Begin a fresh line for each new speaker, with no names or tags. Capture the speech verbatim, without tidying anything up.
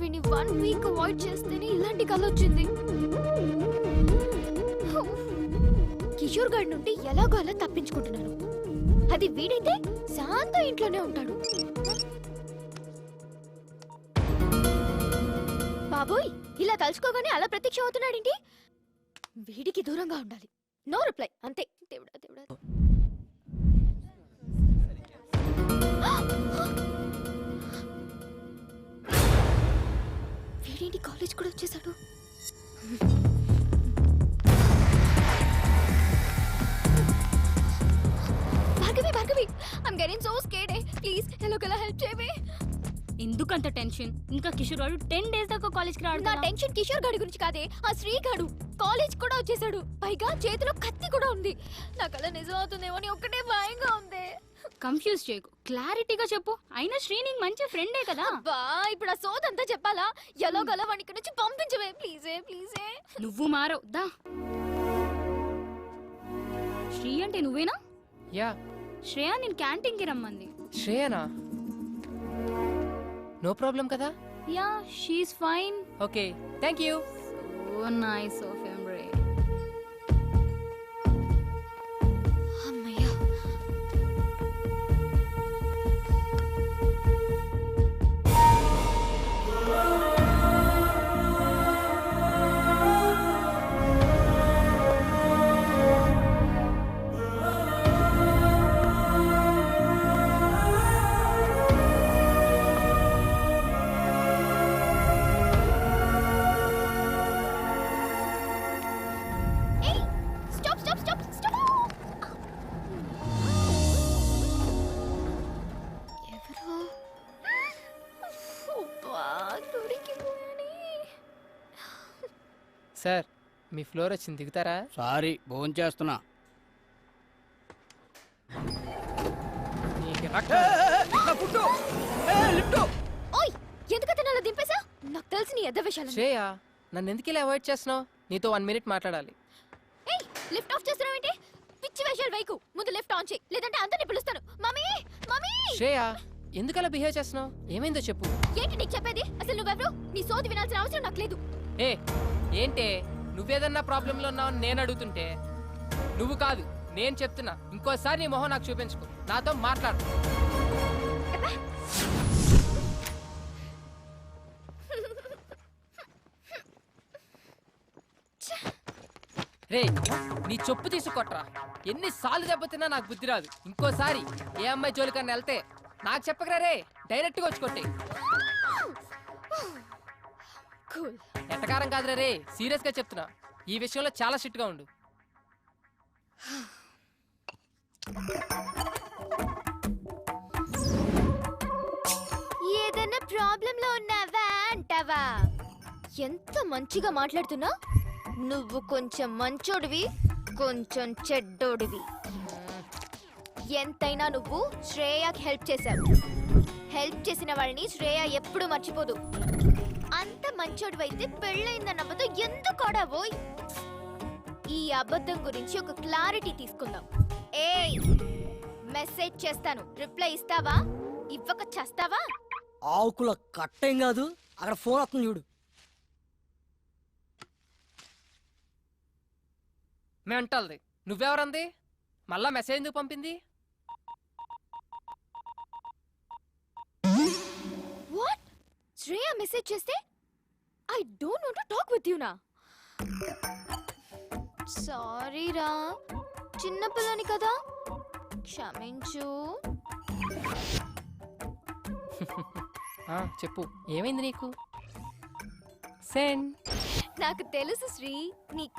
వీని one week avoid చేస్తేనే ఇలాంటి కళ వచ్చింది. కిషోర్ గారి నుండి ఎలాగో అలా తప్పించుకుంటున్నాను. అది వీడైతే శాంత ఇంట్లోనే ఉంటాడు. బాబోయ్, ఇలా తలుచుకోగానే అలా ప్రత్యక్షం అవుతున్నాడేంటి? వీడికి దూరంగా ఉండాలి. నో రిప్లై, అంతే. దేవుడా దేవుడా. వీడేంటి కాలేజ్ కూడా వచ్చేసాడు? Bhargavi Bhargavi, I'm getting so scared. Please ఎలాగోలా హెల్ప్ చేయవే.
ఎందుకంత టెన్షన్? ఇంకా కిషోర్ గారు టెన్ డేస్ దాకా కాలేజ్ కి రాడు.
నా టెన్షన్ కిషోర్ గాడి గురించి కాదే, ఆ శ్రీ గాడు కాలేజ్ కూడా వచ్చేసాడు. పైగా చేతిలో కత్తి కూడా ఉంది. నాకు అలా నిజం అవుతుందేమో అని ఒక్కటే భయంగా ఉంది.
కన్ఫ్యూజ్ చేయకు, క్లారిటీగా చెప్పు. అయినా శ్రీ నీకు మంచి ఫ్రెండే కదా.
బా, ఇప్పుడు ఆ సోదంతా చెప్పాలా? ఎలాగోలా వాడిని ఇక్కడ నుంచి పంపించవే ప్లీజే ప్లీజే.
నువ్వు మారవు దా. శ్రీ అంటే నువ్వేనా?
యా.
శ్రేయ నేను క్యాంటీన్ కి రమ్మంది.
శ్రేయనా? నో ప్రాబ్లం కదా?
Yeah, she's fine.
Okay, thank you.
So nice of him రే.
అమ్మయ్యా.
సార్, మీ ఫ్లోర్ వచ్చింది, దిగుతారా?
సారీ, భోజనం చేస్తున్నా.
ఓయ్, ఎందుకంటే నన్ను దింపేసా? నాకు తెలిసి నీ ఎద్ద విషయాలు.
శ్రేయ, నన్ను ఎందుకు ఇలా అవాయిడ్ చేస్తున్నావు? నీతో వన్ మినిట్ మాట్లాడాలి.
ఏయ్, లిఫ్ట్ ఆఫ్ చేస్తున్నావేంటి? పిచ్చి వేషాలు వైకు. ముందు లిఫ్ట్ ఆన్ చేయి, లేదంటే అందరిని పిలుస్తాను. Mummy mummy.
శ్రేయ, ఎందుకు అలా బిహేవ్ చేస్తున్నావు? ఏమైందో చెప్పు.
ఏంటి నీకు చెప్పేది? అసలు నువ్వెవరు? నీ సోది వినాల్సిన అవసరం నాకు లేదు.
ఏ ఏంటే, నువ్వేదన్నా ప్రాబ్లంలో ఉన్నావని నేను అడుగుతుంటే నువ్వు కాదు నేను చెప్తున్నా. ఇంకోసారి నీ మొహం నాకు చూపించుకో, నాతో మాట్లాడు. రే, నీ చెప్పు తీసుకొట్రా. ఎన్నిసార్లు దెబ్బతిన్నా నాకు బుద్ధి రాదు. ఇంకోసారి ఏ అమ్మాయి జోలికన్నా వెళ్తే నాకు చెప్పకరా రే, డైరెక్ట్గా వచ్చి కొట్టే.
కూల్.
ఎట్టకారం కాదురా రే, సీరియస్ గా చెప్తున్నా. ఈ విషయంలో చాలా స్ట్రిక్ట్ గా ఉండు.
ఏదైనా ప్రాబ్లం లో ఉన్నావా అంటావా? ఎంత మంచిగా మాట్లాడుతున్నా. నువ్వు కొంచెం మంచోడివి, కొంచెం చెడ్డోడివి. ఎంతైనా నువ్వు శ్రేయకి హెల్ప్ చేశావు. హెల్ప్ చేసిన వాళ్ళని శ్రేయ ఎప్పుడు మర్చిపోదు. అంత మంచోడివైతే పెళ్ళైందన్న అబద్ధం ఎందుకు ఆడావోయ్? ఈ అబద్ధం గురించి ఒక క్లారిటీ తీసుకుందాం. ఏయ్, మెసేజ్ చేస్తాను, రిప్లై ఇస్తావా? ఇవ్వక చేస్తావా?
ఆకుల కట్టేం కాదు, అక్కడ ఫోన్ వస్తుంది చూడు.
మెంటల్ది. నువ్వెవరంది? మళ్ళా మెసేజ్ ఎందుకు పంపింది?
వాట్? శ్రేయ మెసేజ్ చేస్తే I don't want to talk with you నా. సారీ రా, చిన్న పిల్లని కదా, క్షమించు.
ఆ, చెప్పు, ఏమైంది నీకు? సెండ్.
నాకు తెలుసు శ్రీ, నీ